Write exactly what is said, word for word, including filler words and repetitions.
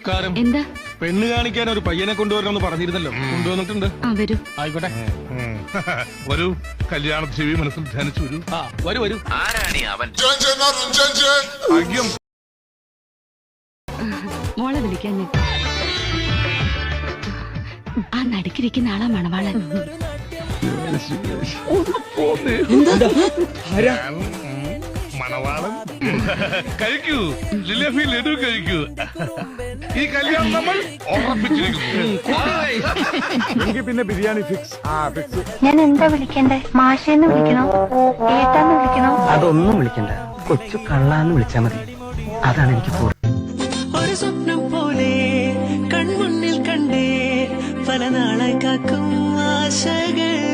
നമസ്കാരം. എന്താ? പെണ്ണ് കാണിക്കാൻ ഒരു പയ്യനെ കൊണ്ടുവരണമെന്ന് പറഞ്ഞിരുന്നല്ലോ. കൊണ്ടുവന്നിട്ടുണ്ട്. ആ വരൂ. ആയിക്കോട്ടെ. വരൂ, കല്യാണ ചെവി മനസ്സിൽ ധ്യാനിച്ചു വരൂ. ആ വരൂ വരൂ. ആരാണി അവൻ? ഭാഗ്യം. മോളെ വിളിക്കാൻ ഞാൻ. ആ നടുക്കിരിക്കുന്ന ആളാ മണവാളൻ. മണവാളൻ കഴിക്കൂ, ജിലേബി ലഡു കഴിക്കൂ. ഈ കല്യാണം നമ്മൾ ഉറപ്പിച്ചിരിക്കുന്നു. പിന്നെ ബിരിയാണി ഫിക്സ്. ആ ഫിക്സ്. ഞാൻ എന്താ വിളിക്കണ്ടേ? മാഷേന്ന് വിളിക്കണോ, ഏട്ടാന്ന് വിളിക്കണോ? അതൊന്നും വിളിക്കണ്ട, കൊച്ചു കള്ളാന്ന് വിളിച്ചാ മതി. അതാണ് എനിക്ക് കൂടുതൽ. ഒരു സ്വപ്നം പോലെ കൺമുന്നിൽ കണ്ടേ പല നാളായി കാക്കും ആശകൾ.